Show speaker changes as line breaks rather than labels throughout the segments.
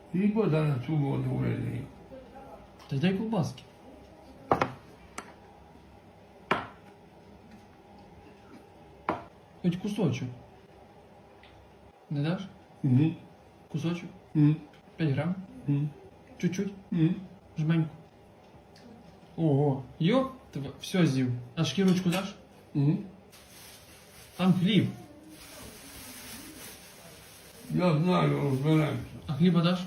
І вода на цю воду вилий.
Та й дай ковбаски. Хоч кусочок. Не даш?
Угу.
Кусочок?
Угу.
5 грам?
Угу.
Чуть-чуть?
Угу.
Жменьку. Ого, йоп, тебе все з'їв. А шкірочку даш?
Угу.
Там хліб.
Я знаю, розберемося.
А хліба даш?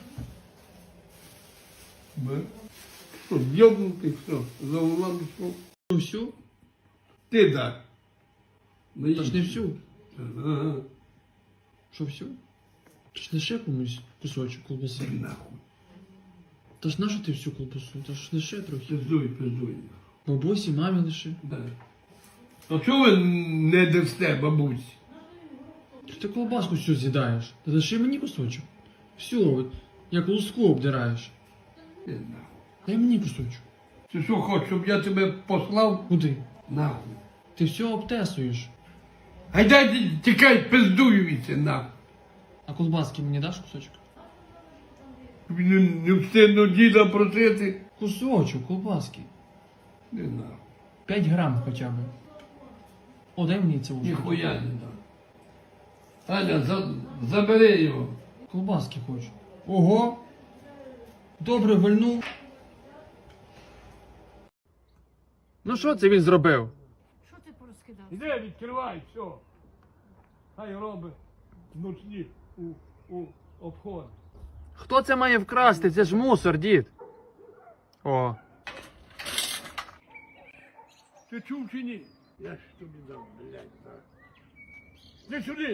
Ми? Що, йобнутий, що? За углом що?
Всю?
Ти дай.
Та ж не всю.
Ага.
Що всю? Та ж лише комусь кусочок колбаси.
Нахуй.
Та ж нащо ти всю колбасу? Та ж лише трохи.
Пиздуй.
Бабусі, мамі лише.
Да. А чого ви не дасте, бабусі?
Ти колбаску всю з'їдаєш. Та лише мені кусочок. Всю, от, як луску обдираєш.
Ти нахуй.
Дай мені кусочок.
Ти що хочеш, щоб я тебе послав?
Куди?
Нахуй.
Ти все обтесуєш.
Гайдай, тікай, пиздуюся, нахуй.
А колбаски мені даш кусочок?
Тобі не встигну діда просити.
Кусочок колбаски.
Не нахуй.
5 грам хоча б. О, дай мені це уже.
Ніхуя не дам. Аня, забери його.
Колбаски хочу. Ого! Добре вильнув. Ну що це він зробив?
Що ти порозкидав?
Іди, відкривай, все. Хай робить ночні у обход.
Хто це має вкрасти? Це ж мусор, дід. О.
Ти чув чи ні? Я ж тобі дам, блядь, так. Іди сюди.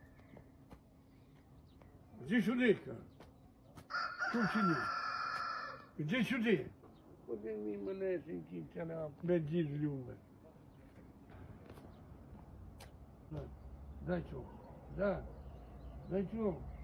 Іди сюди, кажу. Чув чи ні? Іди сюди. Один мій малесенький канал. Блядь, дід любить. Дай цього. Дай цього.